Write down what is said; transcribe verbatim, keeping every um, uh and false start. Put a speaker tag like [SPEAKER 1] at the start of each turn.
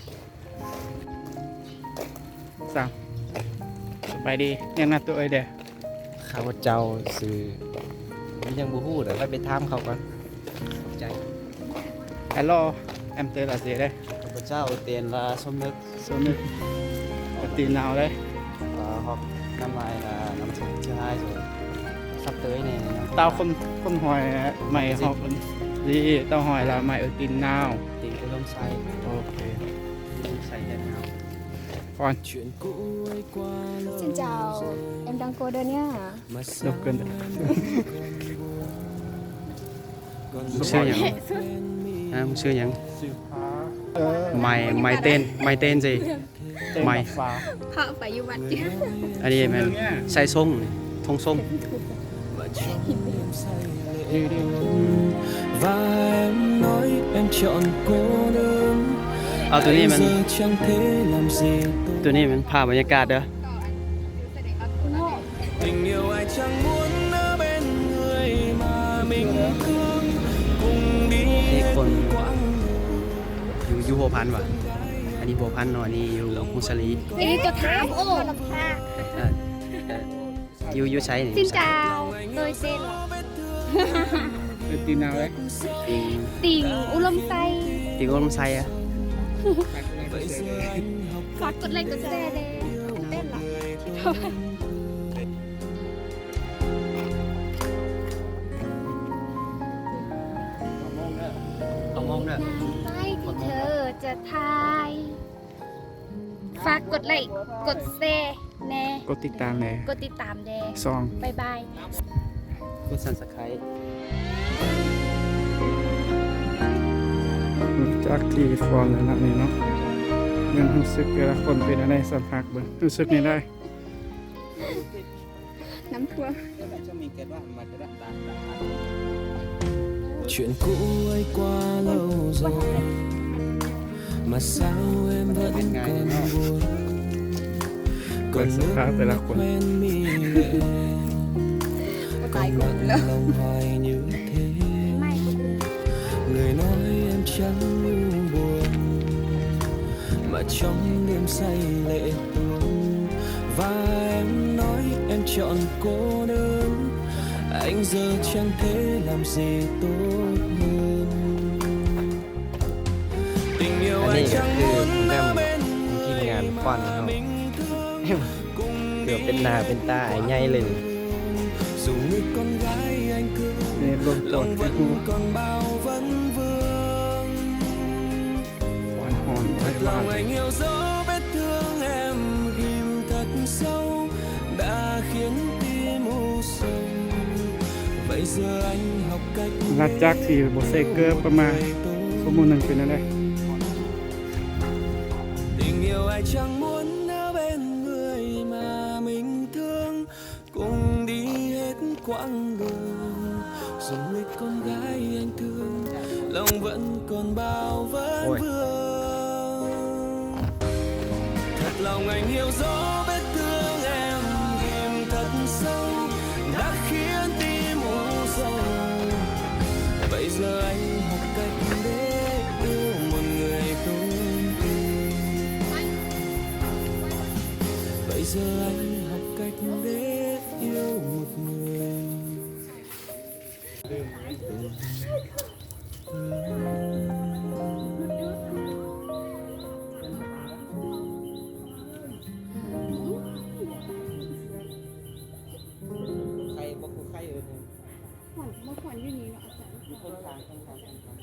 [SPEAKER 1] สามสบายดียังนัดตัวเอ้ยเด้อ
[SPEAKER 2] ข้าพเจ้าสื่อยังบูฮู้เดี๋ยวไปถามเขาก่อนขอบใจ
[SPEAKER 1] ฮัลโหลแอมเตอร์ลาเซียได้
[SPEAKER 2] ข้าพเจ้าเตียนละสมนึก
[SPEAKER 1] โซนึกตีนาวได้
[SPEAKER 2] เอ่อฮอกน้ำลายละน้ำส้มเชื่อให้สุดซับเตยเนี่ย
[SPEAKER 1] เต้าคนคนหอยใหม่หอกดีเต้าหอยละใหม่เออตีนนาว
[SPEAKER 2] ตีนก็ล้มไส้
[SPEAKER 1] โอเค
[SPEAKER 2] ล้มไส้แค่เท้า
[SPEAKER 1] ก่อน
[SPEAKER 3] Xin chào, em đang cô đơn nhá.
[SPEAKER 1] ยกเกิน
[SPEAKER 2] มึงชื่อหยังอ่ามึงชื่อหยัง
[SPEAKER 1] เออ
[SPEAKER 2] ไม่ไม่เต้นไม่เต้นสิ ไม่
[SPEAKER 1] ฟ้า
[SPEAKER 3] Họ phải như bạn chứ.
[SPEAKER 2] อันนี้แมันใส่ส่งทงส่ง
[SPEAKER 1] ดีดี
[SPEAKER 4] và em nói em chọn cô đơn
[SPEAKER 2] เอาตัวนี้มัน
[SPEAKER 4] giờ chẳng thể làm gì tôi
[SPEAKER 2] ตัวนี้มันภาพบรรยากาศเด้อ
[SPEAKER 4] tình yêu ai chẳng muốn ở bên người mà mình thương cùng đi
[SPEAKER 2] นี่
[SPEAKER 4] hết
[SPEAKER 2] คน
[SPEAKER 4] quãng
[SPEAKER 2] อยู่อยู่หัวพันวะอันนี้หัวพันเนาะอันนี้อยู่มุสลี
[SPEAKER 3] Ê, tôi thám ô.
[SPEAKER 2] เอ่อเอ่ออยู่อยู่ใช้นี่
[SPEAKER 3] Xin chào, tôi tên là
[SPEAKER 1] เออตีนนาวได้
[SPEAKER 2] ติง
[SPEAKER 3] Tình U Lâm Say.
[SPEAKER 2] ติงก็ลมไส้อะ
[SPEAKER 3] Phát cột lên cột xe đây. Tên là
[SPEAKER 2] เอามองเด้อ
[SPEAKER 3] Tay thì thơจะทายฝากกดไลค์กดแชร์แน่
[SPEAKER 1] กดติดตามเลย
[SPEAKER 3] กดติดตามแน่
[SPEAKER 1] ซอง
[SPEAKER 3] บ๊ายบาย
[SPEAKER 2] กดซันสไครต์
[SPEAKER 1] จากที่ฟอร์มแล้วนะนี่เนาะเงินรู้สึกแต่ละคนเป็นอะไรสัมผัสเบิ่งรู้สึกนี่ได้
[SPEAKER 3] น้ำท่วม
[SPEAKER 4] chuyện cũ ấy qua lâu rồi mà sao em vẫn còn buồn
[SPEAKER 1] เปิด
[SPEAKER 4] còn
[SPEAKER 1] สภาพแต่ละคน
[SPEAKER 4] quen mi lệ còn nặng lòng hoài như thế
[SPEAKER 3] ไม่
[SPEAKER 4] người nói em chẳng buồn mà trong đêm say lệ tuôn và em nói em chọn cô đơn anh giờ chẳng thể làm gì tốt hơn tình yêu
[SPEAKER 2] อัน
[SPEAKER 4] anh
[SPEAKER 2] นี้ก็
[SPEAKER 4] chẳng
[SPEAKER 2] คือ
[SPEAKER 4] muốn
[SPEAKER 2] แม่
[SPEAKER 4] ở
[SPEAKER 2] ม
[SPEAKER 4] bên
[SPEAKER 2] ทีมงาน
[SPEAKER 4] người
[SPEAKER 2] ฟัน
[SPEAKER 4] mà
[SPEAKER 2] เขา
[SPEAKER 4] mình thương cùng
[SPEAKER 2] เกือบ
[SPEAKER 4] đi
[SPEAKER 2] เป็นหน้าเป็นตาไอ้ใหญ่เลย
[SPEAKER 4] dù người con gái anh thương
[SPEAKER 1] นี่รวมตัว
[SPEAKER 4] lòng
[SPEAKER 1] ที่
[SPEAKER 4] vẫn
[SPEAKER 1] คู่
[SPEAKER 4] còn bao vấn vương
[SPEAKER 1] หวานหอนไว้
[SPEAKER 4] thật
[SPEAKER 1] บ้าน
[SPEAKER 4] lòng anh hiểu rõ vết thương em ghim thật sâu đã khiến tim u sầu vậy giờ anh học cách
[SPEAKER 1] หลังจากที่โบเซเกอร์ประมาณชั่วโมงหนึ่งเป็นอะไร
[SPEAKER 4] tình yêu ai chẳng muốn ở bên người mà mình thương cùng đi hết quãng đường dù người con gái anh thương lòng vẫn còn bao vấn
[SPEAKER 2] Ôi.
[SPEAKER 4] vương thật lòng anh hiểu rõ vết thương em ghim thật sâu đã khiến tim u sầu vậy giờ anh học cách để yêu một người tôi thương vậy giờ anh học cách để yêu một người